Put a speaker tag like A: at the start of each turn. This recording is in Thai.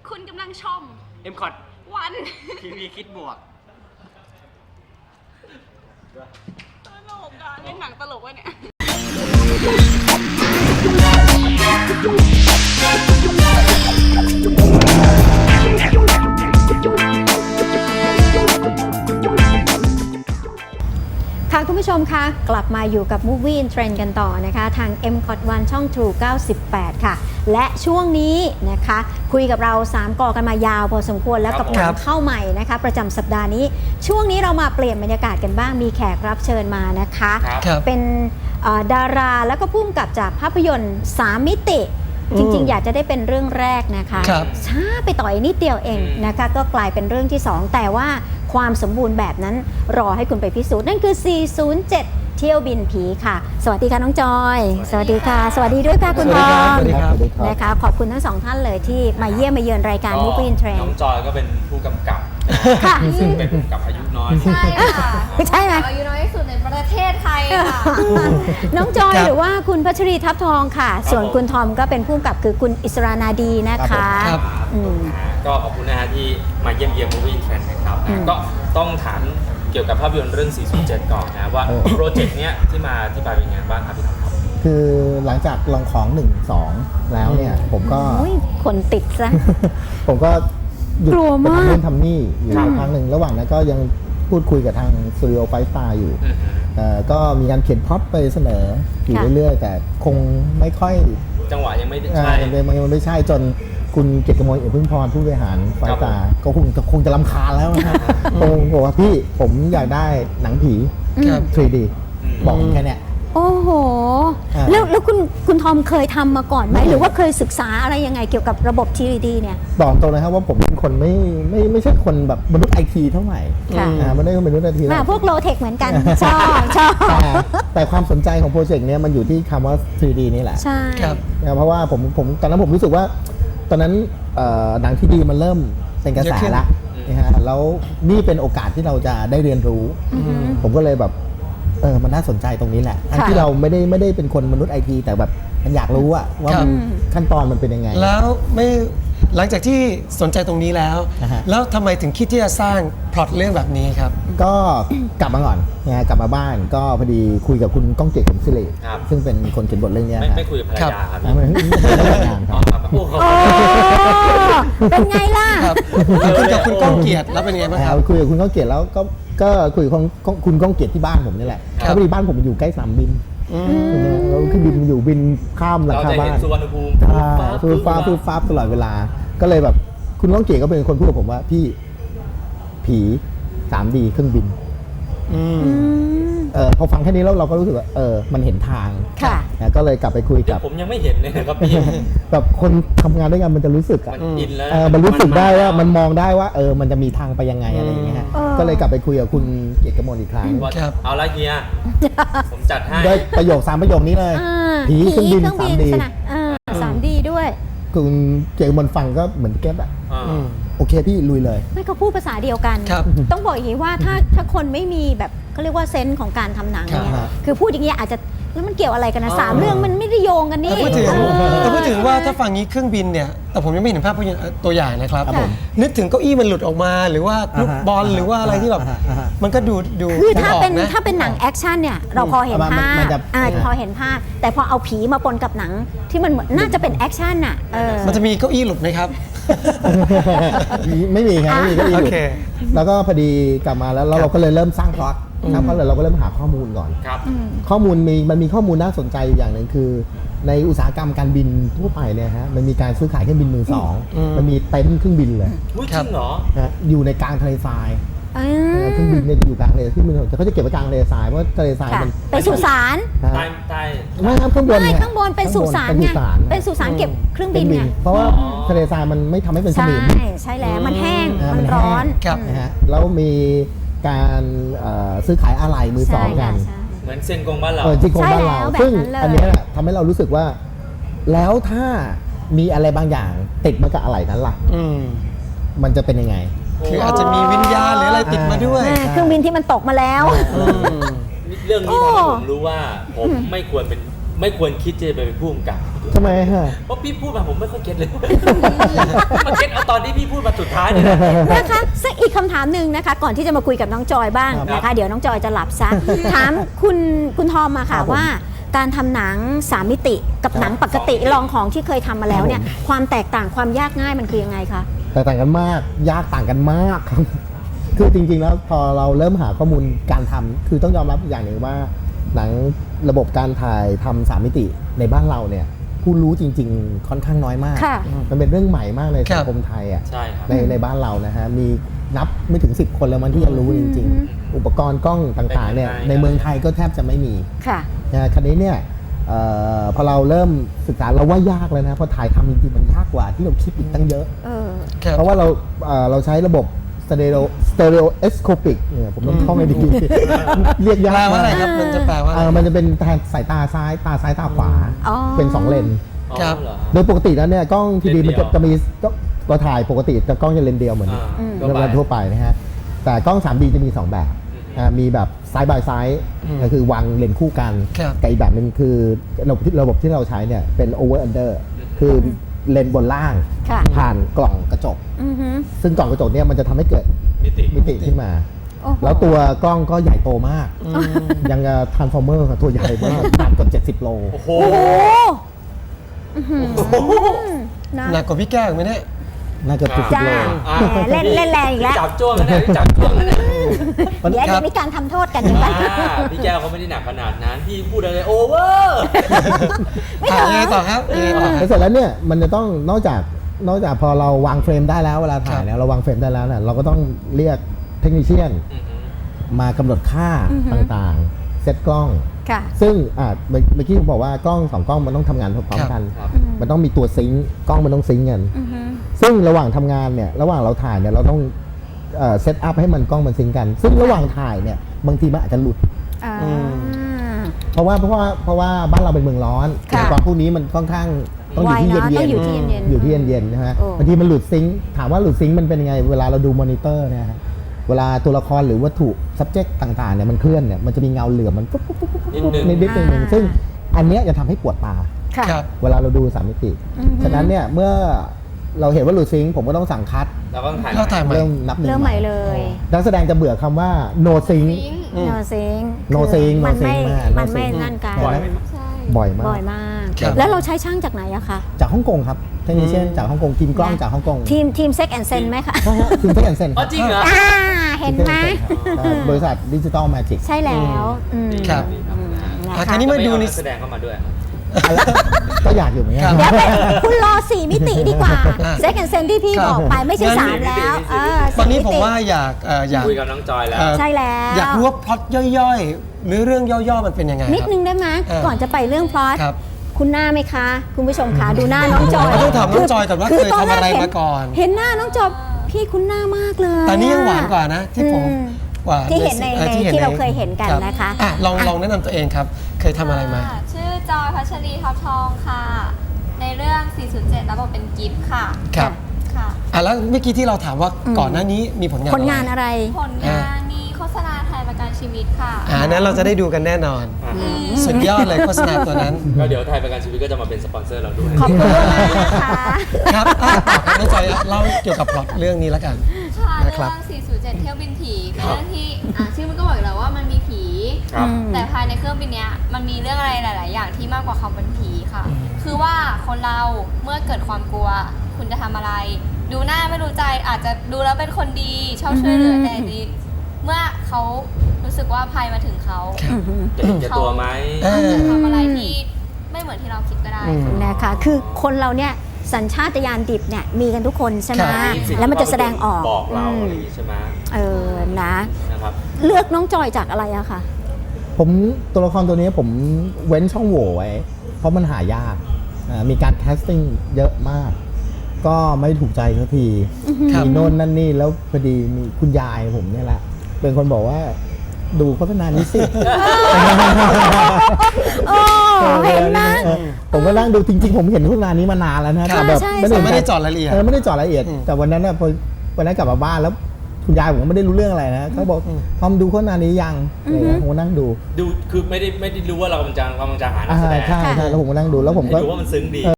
A: คุณกำลังชม
B: M คอร์ด
A: วัน
B: ทีวีคิดบวก
A: ตลกอ่ะเล่นหนังตลกวะเนี่ย
C: ค่ะคุณผู้ชมคะกลับมาอยู่กับ Movie in Trend กันต่อนะคะทาง m c o t 1ช่อง True 98 ค่ะและช่วงนี้นะคะคุยกับเรา3กอกันมายาวพอสมควรแล้วกับหนังเข้าใหม่นะคะประจำสัปดาห์นี้ช่วงนี้เรามาเปลี่ยนบรรยากาศกันบ้างมีแขกรับเชิญมานะคะเป็นดาราแล้วก็ผู้กำกับจากภาพยนตร์3มิติจริงๆอยากจะได้เป็นเรื่องแรกนะคะช้าไปต่อยนิดเดียวเองนะคะก็กลายเป็นเรื่องที่2แต่ว่าความสมบูรณ์แบบนั้นรอให้คุณไปพิสูจน์นั่นคือ 407 เที่ยวบินผีค่ะสวัสดีค่ะน้องจอยสวัสดีค่ะสวัสดีด้วยค่ะคุณทองนะคะขอบคุณทั้งสองท่านเลยที่มาเยี่ยมมาเยือนรายการ Movie in Trend
D: น้องจอยก็เป็นผู้กำกับซึ่งเป็นผู้กำกับอายุน้อย
E: ใช่ค่ะ
C: ใช่ไหม
E: อายุน้อยที่สุดในประเทศไทยค่ะ
C: น้องจอยหรือว่าคุณพัชรีทับทองค่ะส่วนคุณทอมก็เป็นผู้กำกับคือคุณอิสรานาดีนะคะ
D: ก็ขอบคุณนะฮะที่มาเยี่ยมเยียม Movie in Trend นะครับก็ต้องถามเกี่ยวกับภาพยนตร์เรื่อง 407 ก่อนนะว่าโปรเจกต์เนี้ยที่ไปเป็นยังไงบ้างครับพี่ทอมครับ
F: คือหลังจากลองของ 1-2 แล้วเนี่ยผมก็
C: คนติดซะ
F: ผมก็หยุด
C: กลัว
F: ไป
C: มาก
F: ทำนู่นทำนี่อยู่ครั้งหนึ่งระหว่างนั้นก็ยังพูดคุยกับทางสตูดิโอไฟสตาร์อยู่ก็มีการเขียนพล็อตไปเสนออยู่เรื่อยๆ แต่คงไม่ค่อย
D: จังหวะยังไม่ใช่
F: ยังไม่ใช่จนคุณเกียรติกมลเอี่ยมพึ่งพรผู้บริหารไฟสตาร์ก็คงจะรำคาญแล้วนะครับคงบอกว่าพี่ผมอยากได้หนังผี 3D บอกแค่เนี้ย
C: โอ้โหแล้วคุณทอมเคยทำมาก่อนไหมหรือว่าเคยศึกษาอะไรยังไงเกี่ยวกับระบบ 3D เนี่ย
F: บอกตรงนะครับว่าผมเป็นคนไม่ใช่คนแบบมนุษย์ไอทีเท่าไหร่ไม่ได้เป็นมนุษย์ไอที
C: พวกโลเทคเหมือนกันชอบ
F: แต่ความสนใจของโปรเจกต์นี้มันอยู่ที่คำว่า 3D นี่แหละ
C: ใช่
F: เพราะว่าผมตอนนั้นผมรู้สึกว่าตอนนั้นหนังที่ดีมันเริ่มเป็นกระแสละนะฮะแล้วนี่เป็นโอกาสที่เราจะได้เรียนรู้ผมก็เลยแบบมันน่าสนใจตรงนี้แหละทั้งที่เราไม่ได้เป็นคนมนุษย์ไอทีแต่แบบมันอยากรู้ว่าขั้นตอนมันเป็นยังไง
G: แล้วไม่หลังจากที่สนใจตรงนี้แล้วทำไมถึงคิดที่จะสร้างพล็อตเรื่องแบบนี้ครับ
F: ก็กลับมาก่อนนะกลับมาบ้านก็พอดีคุยกับคุณก้องเกียรติ ขมศิริซึ่งเป็นคนเขียนบทเรื่องนี้
D: ไม่คุยกับภรรยาครับ
F: ไม่ได้งานครับ
C: เป็นไงล่ะ
G: คุยกับคุณก้องเกียรติแล้วเป็นไงบ้างครับ
F: คุยกับคุณก้องเกียรติแล้วก็คุยกับคุณก้องเกียรติที่บ้านผมนี่แหละพอดีบ้านผมอยู่ใกล้สนามบินแล้วคือบินอยู่บินข้ามหลังคาบ้าน
D: สุวรรณภูมิ
F: ฟ้าตลอดเวลาก็เลยแบบคุณก้องเกียรติก็เป็นคนพูดกับผมว่าพี่ผี 3D เครื่องบินพอฟังแค่นี้แล้วเราก็รู้สึกว่ามันเห็นทางก็เลยกลับไปคุยกับ
D: ผมยังไม่เห็นเลยครับพี่
F: แบบคนทำงานด้วยกันมันจะรู้สึกมันรู้สึกได้ว่ามันมองได้ว่ามันจะมีทางไปยังไงอะไรอย่างเงี้ยก็เลยกลับไปคุยกับคุณเกียรติกมลอีกครั้ง
D: เอาละเฮียผมจัดให้
F: ด้วยประโยค3ประโยคนี้เลยผีเครื่องบิน
C: 3D ด้วย
F: คุณเกียรติกมลฟังก็เหมือนแก๊ปโอเคพี่ลุยเลย
C: ไม่เขาพูดภาษาเดียวกันต้องบอกอย่างนี้ว่าถ้าคนไม่มีแบบเขาเรียกว่าเซนส์ของการทำหนังเนี่ยคือพูดอย่างนี้อาจจะแล้วมันเกี่ยวอะไรกันนะ3เรื่องมันไม่ได้โยงกันนี่
G: พูดถึงว่าถ้าฟังนี้เครื่องบินเนี่ยแต่ผมยังไม่เห็นภาพตัวอย่างนะครับนึกถึงเก้าอี้มันหลุดออกมาหรือว่าลูกบอลหรือว่าอะไรที่แบบมันก็ดู
C: คือถ้าเป็นหนังแอคชั่นเนี่ยเราพอเห็นภาพพอเห็นภาพแต่พอเอาผีมาปนกับหนังที่มันน่าจะเป็นแอคชั่นน่ะ
G: มันจะมีเก้าอี้หลุดไหมครับ
F: ไม่มีครับไม่มีก็อีกแล้วก็พอดีกลับมาแล้วเราก็เลยเริ่มสร้างพล็อตเพราะเราก็เริ่มหาข้อมูลก่อนข้อมูลมันมีข้อมูลน่าสนใจอย่างหนึ่งคือในอุตสาหกรรมการบินทั่วไปเนี่ยฮะมันมีการซื้อขายเครื่องบินมือสองมันมีเต็นท์เครื่องบินเลย
D: จริงเหรอ
F: อยู่ในกลางทะเลทรายเครื่องบินเนี่ยอยู่กลางทะเลเครื่องบินแต่เขาจะเก็บไว้กลางทะเลทรายเพราะทะเลทรายมัน
C: เป็นสุสาน
F: ไม่ครับข้างบน
C: ข้างบนเป็นสุสานไงเป็นสุสานเก็บเครื่องบินไง
F: เพราะว่าทะเลทรายมันไม่ทำให้เป็นสนิม
C: ใช่แล้วมันแห้งมันร้อน
F: นะฮะแล้วมีการซื้อขายอะไหล่มือสองกัน
D: เหมือนเซ็นกงบ้านเรา
F: เซ็นกงบ้านเราซึ่งอันนี้ทำให้เรารู้สึกว่าแล้วถ้ามีอะไรบางอย่างติดมากับอะไหล่นั้นล่ะมันจะเป็นยังไง
G: คืออาจจะมีวิญญาณหรืออะไรติดมาด้วย
C: เครื่องบินที่มันตกมาแล้ว
D: เรื่องนี้ทำให้ผมรู้ว่าผมไม่ควรเป็นไม่ควรคิดจะไปเป็นผู้กำกับ
F: ทำไมฮะ
D: เพราะพี่พูดมาผมไม่ค่อยเก็ตเลย มาเก็ตเอาตอนที่พี่พูดมาสุดท้ายเนี่ยนะ
C: นะคะสักอีกคำถามหนึ่งนะคะ ก่อนที่จะมาคุยกับน้องจอยบ้าง
D: ครับ
C: นะคะ เดี๋ยวน้องจอยจะหลับซะ ถามคุณทอมมาค่ะ
F: ครับผม
C: ว่าการทำหนัง3มิติกับหนังปกติลองของที่เคยทำมาแล้วเนี่ย ความแตกต่างความยากง่ายมันคือยังไงคะ
F: แต่ต่างกันมาก ยากต่างกันมากครับ คือจริงๆแล้วพอเราเริ่มหาข้อมูลการทำคือต้องยอมรับอย่างหนึ่งว่าหนังระบบการถ่ายทำ3มิติในบ้านเราเนี่ยผู้รู้จริง ๆ ค่อนข้างน้อยมาก
C: ค่ะ
F: มันเป็นเรื่องใหม่มากใน
G: ครั
F: สั
G: บ
F: งคมไทยอ่ะ
D: ใช่ครับ
F: ในบ้านเรานะฮะมีนับไม่ถึง 10 คนแล้วมันที่จะรู้จริง ๆ อุปกรณ์กล้องต่างๆเนี่ยในเมืองไทยก็แทบจะไม่มี
C: ค่ะ
F: นะคันนี้เนี่ยพอเราเริ่มศึกษาเราว่ายากเลยนะเพราะถ่ายทำจริงๆมันยากกว่าที่เราคิดอีกตั้งเยอะ
C: เออ
G: ครับ
F: เพราะว่าเราใช้ระบบ stereoscopic เนี่ยผมต้องท่องให้ดี เรียกยาก
G: แปลว่าอะไร
F: มาก
G: ครับมันจะแปลว่าอะไร
F: มันจะเป็นแทนสายตาซ้ายตาขวา
C: อ๋อ
F: เป็น 2 เลน
G: ครับ
D: อ๋อเหอ
F: โดยปกติแล้วเนี่ยกล้องทีดี
D: เลนเดี
F: มัน
D: ยว
F: จะมีก็ถ่ายปกติแต่กล้องจะเลนเดียวเหมือน
D: ก็
F: เรา
D: ไป
F: ทั่วไปนะฮะแต่กล้อง 3D จะมี 2 แบบมีแบบ side by side ก็คือวางเลนคู่กัน
G: ครับ
F: กับอีกแบบหนึงคือระบบที่เราใช้เนี่ยเป็น over under คือเลนบนล่าง
C: ค่ะ
F: ผ่านกล่องกระจก
C: อือฮึ
F: ซึ่งกล่องกระจกเนี่ยมันจะทำให้เกิด
D: มิติ
F: มิติขึ้นมา
C: โอ้โห
F: แล้วตัวกล้องก็ใหญ่โตมาก ยังทรานส์ฟอร์เมอร์ตัวใหญ่มากหนักเกือบ70 โล
D: โอ้โห
C: โอ้โหอื้อหือนะ
G: หนักกว่าพี่แก้วอีกไหมเนี่ย
F: น่าจะ70
C: จ้า
F: โล
C: แหมเล่นแรงอีกแล้ว
D: จับจ้วงกันเนี่ยจับจ้วงกันเนี่ย
C: เดี๋ยว
G: ครั
C: จะ
G: บ
C: มีการทำโทษกันใช่ไหม
D: พี่แก้วเขาไม่ได้หนักขนาดนั้น พี่พูดอะไรโอเวอร์
C: ไม่ถึง
G: ยังไงต่อครับยังไงต่อค
F: แล้
G: รับ
F: วเสร็จแล้วเนี่ยมันจะต้องนอกจากพอเราวางเฟรมได้แล้วเวลาถ่ายเนี่ยเราวางเฟรมได้แล้วเนี่ยเราก็ต้องเรียกเทคนิคเชียนมากำหนดค่าต่างๆ เซตกล้อง
C: ค่ะ
F: ซึ่งเมื่อกี้ผมบอกว่ากล้อง2กล้องมันต้องทำงานพร้อมกัน
D: ครับ
F: มันต้องมีตัวซิงค์กล้องมันต้องซิงค์กัน
C: อือฮึ
F: ซึ่งระหว่างทำงานเนี่ยระหว่างเราถ่ายเนี่ยเราต้องเซตอัพให้มันกล้องมันซิงค์กัน ซึ่งระหว่างถ่ายเนี่ยบางทีมันอาจจะหลุด
C: อ่า
F: เพราะว่าบ้านเราเป็นเมืองร้อน
C: ค่ะ
F: อุปกรณ์พวกนี้มันค่อนข้างต้องอยู่ที่
C: ไว
F: เย็
C: นะ
F: น
C: ต้องอยู่ที่เย็นๆ
F: อยู่ที่เย็นๆนะฮะ
C: โอ้
F: บางทีมันหลุดซิงค์ถามว่าหลุดซิงค์มันเป็นยังไงเวลาเราดูมอนิเตอร์เนี่ยฮะเวลาตัวละครหรือวัตถุ subject ต่างๆเนี่ยมันเคลื่อนเนี่ยมันจะมีเงาเหลือมมันปุ๊บปุ๊บปุ๊บปุ๊บ
D: นิดนึง
F: นิดๆนึงซึ่งอันเนี้ยจะทำให้ปวดตา
C: ค่ะ
G: ครับ
F: เวลาเราดู3มิติ ฉะนั้นเนี่ยเมื่อเราเห็นว่าหลุดซิงค์ผมก็ต้องสั่งคัด
D: เราก็ต้องถ่าย
G: เราถ่ายใหม่
F: เริ่มนับหนึ่ง
C: เริ่มใหม่เลย
F: นักแสดงจะเบื่อคำว่า no sync
C: โนซิง
F: No sync
C: มันไม่
F: no sync
C: มันไม่
F: no sync
C: นั่นกัน
D: บ่อยไหม
E: ใช่
F: บ่อยมาก
C: บ่อยมาก
G: ครับ
C: แล้วเราใช้ช่างจากไหนอะคะ
F: จากฮ่องกงครับเทคนิคเชียนจากฮ่องกงทีมกล้องจากฮ่องกง
C: ทีมเซ็กแอนเซนไหมคะ
F: ใช่ฮะทีมเทคแอนเซน
D: อ๋อจริงเหรอ
C: เห็นไหม
F: บริษัทดิจิตอลแมจิก
C: ใช่แล้วอืม
G: ครับ
C: นะ
G: อ่ะ
C: คะ
G: คราวนี้มาดู
D: ไม่
G: ใน
D: เอานักแสดงเข้ามาด้วย
F: ก็อยากอยู่เหมือนกัน
G: ครับ
C: เดี๋ยวไปคุณรอ 4 มิติดีกว่า
G: อ่ะ
C: เซ็กแอนเซนที่พี่
G: ครับ
C: บอกไปไม่ใช่
G: งั้น
C: 3 แล้ว4
G: ตอนนี้ผม
C: ติ
G: ว่าอยาก
D: คุยกับน้องจอยแล้ว
C: ใช่แล้ว
G: อยากรู้ว่าพล็อตย่อยๆ หรือเรื่องย่อๆ มันเป็นยังไง
C: นิด
G: ครับ
C: นึงได้ไหม ก่อนจะไปเรื่องพลอต
G: ครับ
C: คุณหน้าไหมคะ คุณผู้ชมคะดูหน้าน้องจอย
G: ต้องถามน้องจอยก่อนว่า
C: คื
G: เคย
C: ตน
G: ทำอะไร
C: แกเห็น
G: มาก่อน
C: เห็นหน้าน้องจอยพี่คุณหน้ามากเลย
G: แต่นี่ยังหวานกว่านะ ที่ผม
C: อืม
G: กว่า
C: ที่เห็นใน ที่เราเคยเห็นกัน
G: รับ
C: นะคะ
G: อ่ะลองแนะนำตัวเองครับ เคยทำอะไรมา
E: ค่ะชื่อจอยพัชรีทับทองค่ะ ในเรื่อง 407 รับบทเป็นกิฟต์ค่ะ
G: ครับ
E: ค่ะ
G: อ่ะแล้วเมื่อกี้ที่เราถามว่าก่อนหน้านี้มีผลงาน
C: ผลงานอะไร
E: ผลงานมีโฆษณาไทยประกันชีวิตค่ะ
G: นั้นเราจะได้ดูกันแน่นอน สุดยอดเลยโฆษณาตัวนั้น
D: ก็เดี๋ยวไทยประกันชีวิตก็จะมาเป็นสปอนเซอร์เราด้วย
C: ขอบคุณมากนะคะ
G: ครับต่อครับน้องจอยเล่าเกี่ยวกับพล็อตเรื่องนี้แล้วกัน
E: ค่ะ
G: นะ
E: เรื่
G: ครับ
E: อง 407 เที่ยวบินผีเป็นเรื่องที่ชื่อมันก็บอกอยู่แล้วว่ามันมีผี
D: ครับ
E: แต่ภายในเครื่องบินเนี้ยมันมีเรื่องอะไรหลาย ๆ อย่างที่มากกว่าความเป็นผีค่ะ คือว่าคนเราเมื่อเกิดความกลัว คุณจะทำอะไร ดูหน้าไม่รู้ใจอาจจะดูแล้วเป็นคนดีชอบช่วยเหลือแต่จริงๆเมื่อเขารู้สึกว่าภัยมาถึงเขา
D: จะเห็นแก่ตัวไหม
E: อาจจะทำอะไรที่ไม่เหมือนที่เราคิดก็ได้
C: นะคะ คือคนเราเนี่ยสัญชาตญาณดิบเนี่ยมีกันทุกคนใช่ไหม
G: ครับ
C: แล้วมันจะแสดงออก
D: บอกเรา
C: อืม
D: อะไรอย่างงี้ใช่ไหม
C: นะ
D: นะครับ
C: เลือกน้องจอยจากอะไรอะคะ
F: ผมตัวละครตัวนี้ผมเว้นช่องโหว่ไว้ เพราะมันหายากมีการแคสติ้งเยอะมาก ก็ไม่ถูกใจสักที
G: ครับ
F: มีโน่นนั่นนี่แล้วพอดีมีคุณยายผมเนี่ยแหละ เป็นคนบอกว่าดูโฆษณานี้สิ
C: โอ้เห็นไหม
F: ผมก็นั่งดูจริงๆ ผมเห็นโฆษณานี้มานานแล้วนะแต่แบบ
C: ใช่
G: ไม่ได้เจาะรายละเอียด
F: ไม่ได้เจาะรายละเอียด
G: อืม
F: แต่วันนั้นน่ะพอวันนั้นกลับมาบ้านแล้วคุณยายผมก็ไม่ได้รู้เรื่องอะไรนะเขาบอกทอมดูโฆษณานี้ยังอะไรเงี้ยผมก็นั่งดู
D: ดูคือไม่ได้รู้ว่าเรากำลังจะหานักแสดง
F: ใช่แล้วผมก็นั่งดูแล้วผมก็
D: ดูว่ามันซึ้งดี